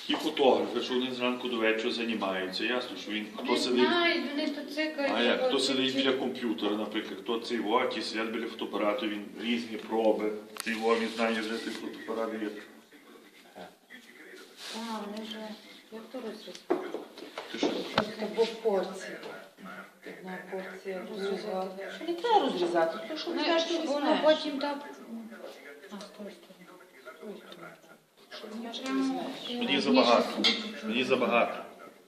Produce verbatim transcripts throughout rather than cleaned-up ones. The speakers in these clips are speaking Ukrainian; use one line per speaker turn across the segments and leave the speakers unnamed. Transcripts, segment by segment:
Ті фотографи, що вони зранку до вечора займаються, ясно, що він, хто
Не
сидить,
знають, вони то цикають.
а як, хто сидить біля комп'ютера, наприклад, хто цей вокі, сидять біля фотоапарату, він різні проби, цей во, він знає вже цей фотоапарат є.
А, вони вже, як то розрізати?
Ти що?
Або порції. Одна порція розрізати. Що не треба розрізати, тому що
Ну,
знаєш, що
воно
візьмеш.
потім так... А, з тої сторони.
Що знаєш, що візьмеш.
Мені забагато, мені забагато.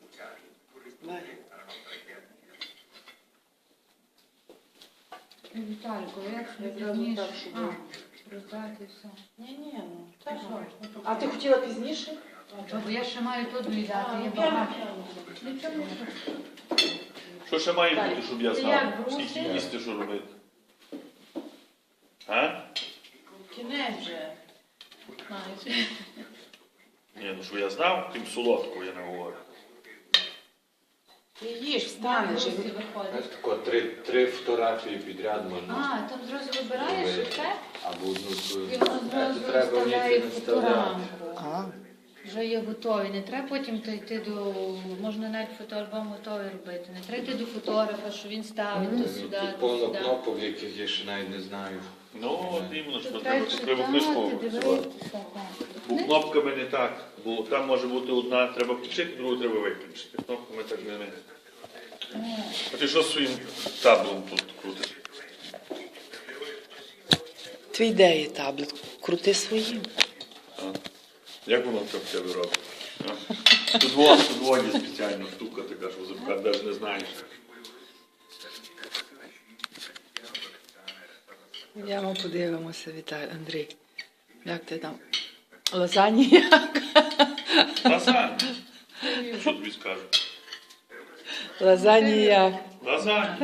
Віталіку, як
Я
собі
зразу
пізніше?
так, щоб-
А, роздати все.
Ні-ні, ну, так.
що?
А ти хотіла пізніше?
Бо я ще маю тут доїдати,
А,
є
ну,
багато.
прямо.
Нічого не треба.
Що ще має бути, щоб я
Ти
знав,
як,
скільки
брусі?
їсти, що робити? А?
Кінець вже.
Майже.
Ні, ну що я знав, тим солодкого я не говорю.
Ти їж, встанеш.
Брусі
і-
Знаєш,
виходить.
тако, три, три фотографії підряд можна.
А, там зразу вибираєш і все?
Або одну свою.
І воно зразу
Це треба
виставляє
вміти виставляти.
фоторамку.
А,
Вже є готові. Не треба потім то йти до... Можна навіть фотоальбом готовий робити. Не треба йти до фотографа, що він ставить то сюди,
Тут
то
повно
сюди.
кнопок, яких я ще навіть не знаю.
Ну, от іменно, що
То
треба
треба
треба книжку
читати,
працювати.
дивитися. так.
Бо кнопками не так, бо там може бути одна, треба включити, другу треба виключити. Кнопками так не. А ти що своїм таблом тут крутиш?
твій де є таблет? Крути своїм.
А? Як воно так в тебе робить? А? Тут вон, тут вон є спеціальна штука така, що запхати навіть не знаєш.
Йдемо подивимося, Віталій, Андрій. Як ти там? Лазані як?
Лазанья. Що тобі скажу?
Лазані як?
Лазанья.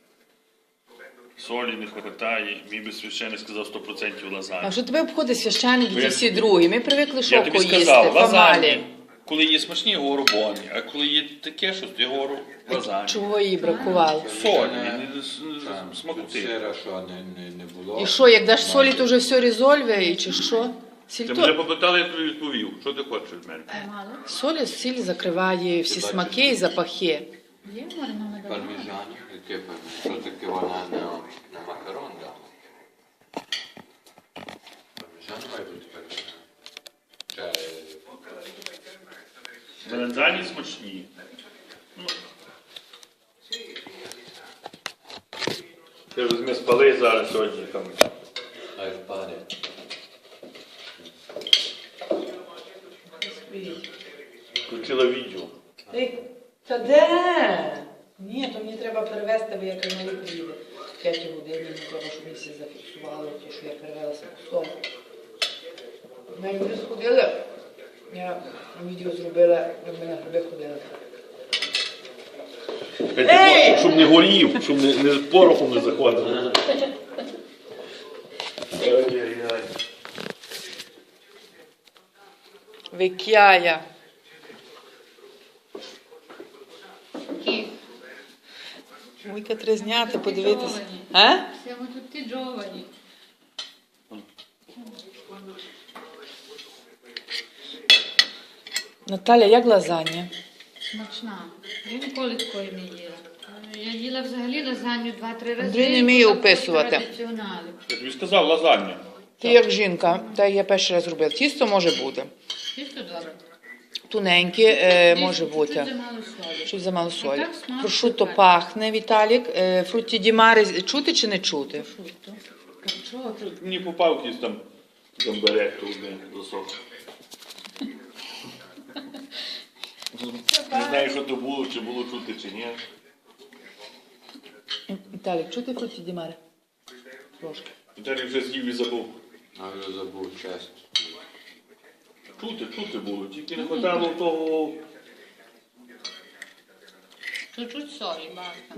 Солі не вистачає, мій би священник сказав сто відсотків
А
лазанья.
що тебе обходить священник,
Бо
і
я-
всі другі? Ми привикли
Я
шоко
тобі
їсти,
сказав, лазанья.
помалі.
Коли є смачні, я говорю боні, а коли є таке, що я говорю лазанья.
Чого їй бракувало?
Солі, не- не-
Так,
не-
тут
смакоти.
сира, що не, не, не було.
І що, як даш солі, то вже все резольве, і чи що? Сіль
Ти мене
то...
попитали, я тобі відповів. Що ти хочеш від мене?
Мало?
Солі, сіль закриває всі
Ти
смаки
бачиш?
і запахи.
Є маринований?
Парміжан, яке парміжан? Що таке вона на, на макарон дала? Парміжан має бути парміжан. Чи-
Меланзані смачні. Ну. Ти візьми спали зараз сьогодні там.
Хай впаде.
Включила відео.
Ей, та де? Ні, то мені треба перевезти, бо я каналі приїде. П'ять годин, мені треба, щоб мені всі зафіксували, то, що я перевелася по Ми люди сходили, я відео зробила, як ми на гриби ходили.
Ей! Щоб не горів, щоб не, не порохом не заходив. Ай-яй-яй.
Викяя.
Які?
Муйка треба зняти, подивитися.
Джовані.
А?
Все ми тут ті джовані.
Наталя, як лазанья?
Смачна. Я ніколи такої не їла. Я їла взагалі лазанью два-три рази.
Андрій не вміє
Такої
описувати.
традиціонали.
Я тобі сказав лазанья.
Ти як жінка, так я перший раз робила. Тісто може бути.
Чисто добре.
Тоненьке е, може
Чуть-чуть
бути.
замало солі.
Щось замало солі.
так смак
Прошутто
супер.
пахне, Віталік. Е, фрутті ді маре чути чи не чути?
Прошутто. Чого тут?
Мені попав якийсь там гамбарет тут не засох. Не знаю, що то було, чи було чути, чи ні.
Віталік, чути фрутті ді маре? Трошки.
Віталій вже з'їв і забув.
А я забув чесно.
Чути, чути було, тільки не вистачало того.
Чуть-чуть солі, бasta.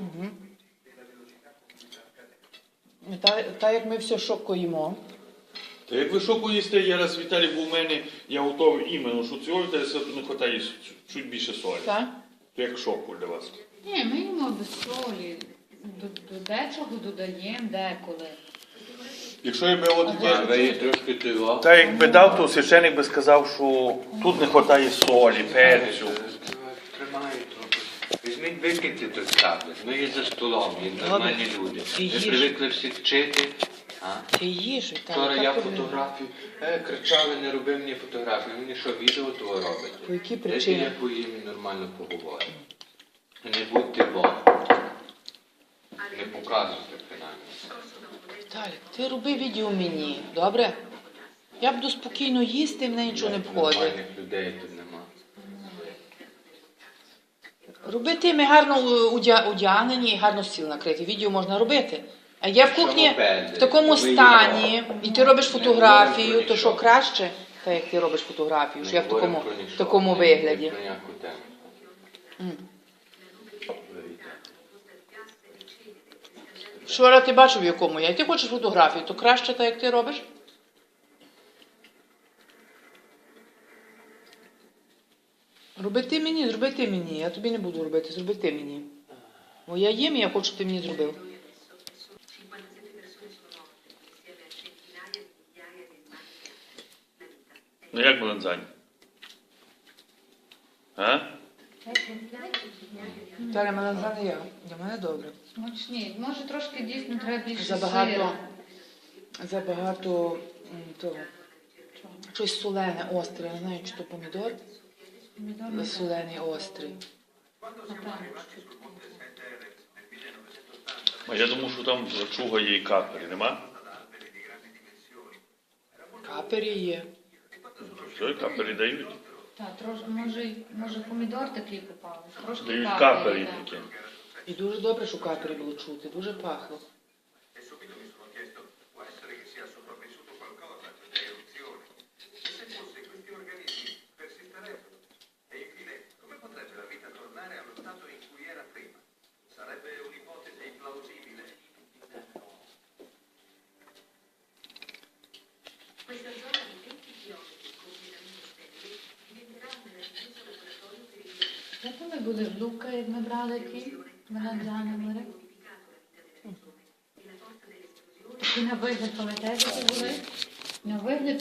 Та, та як ми все шоко їмо.
Та як ви шоку їсте, я раз Віталій був у мене, я готовий іменно, що цього Віталій не вистачає чуть більше солі.
Так?
То як шоку для вас.
Ні, ми їмо без солі. До, до дечого додаємо деколи.
Якщо я би от
А ви її трошки тиво.
та якби дав, то священик би сказав, що тут не вистачає солі, перцю.
Тримаю трохи. Візьміть, викиньте той таблет. Ми є за столом, є нормальні люди.
Ти
Ви
їж.
привикли всі вчити. А?
Ти їж, і там.
Вчора
яка
я
проблема?
фотографію, е, кричали, не роби мені фотографію. Мені що, відео того робите?
По якій
Дайте
причині?
я поїм і нормально поговорю. Не будьте бо. Не показуйте принаймні.
Віталік, ти роби відео мені, добре? Я буду спокійно їсти, мене нічого не входить.
Нормальних людей тут нема.
Роби ти, ми гарно удя- одягнені і гарно стіл накрити. Відео можна робити. А я в кухні в такому стані, і ти робиш фотографію, то що краще, так як ти робиш фотографію, що я в такому, в такому вигляді.
Про ніяку тему.
М.
Говоріть.
Вчора ти бачив, в якому я. І ти хочеш фотографію, то краще так, як ти робиш? Роби ти мені, зроби ти мені. Я тобі не буду робити, зроби ти мені. Бо я їм, і я хочу, щоб ти мені зробив.
Ну як Баланзань? А?
Віталя, мене знає я. Для мене добре.
Смачні. Може трошки дійсно треба більше
Забагато,
сира.
забагато м, того. Щось солене, остре. Не знаю, чи то помідор.
Помідор
Але
не
солений, острий.
Напевно.
А я думав, що там чуга є і капері, нема?
Капері є.
Все, капері дають.
Так, трош, може, й- може помідор такий попав. Трошки
Дають
капелі,
капері
так.
такі.
І дуже добре, що капері було чути. Дуже пахло.
Як вони були в Лука, як ми брали ті винограни мори? Такі на вигляд, пам'ятаєте, які були? На вигляд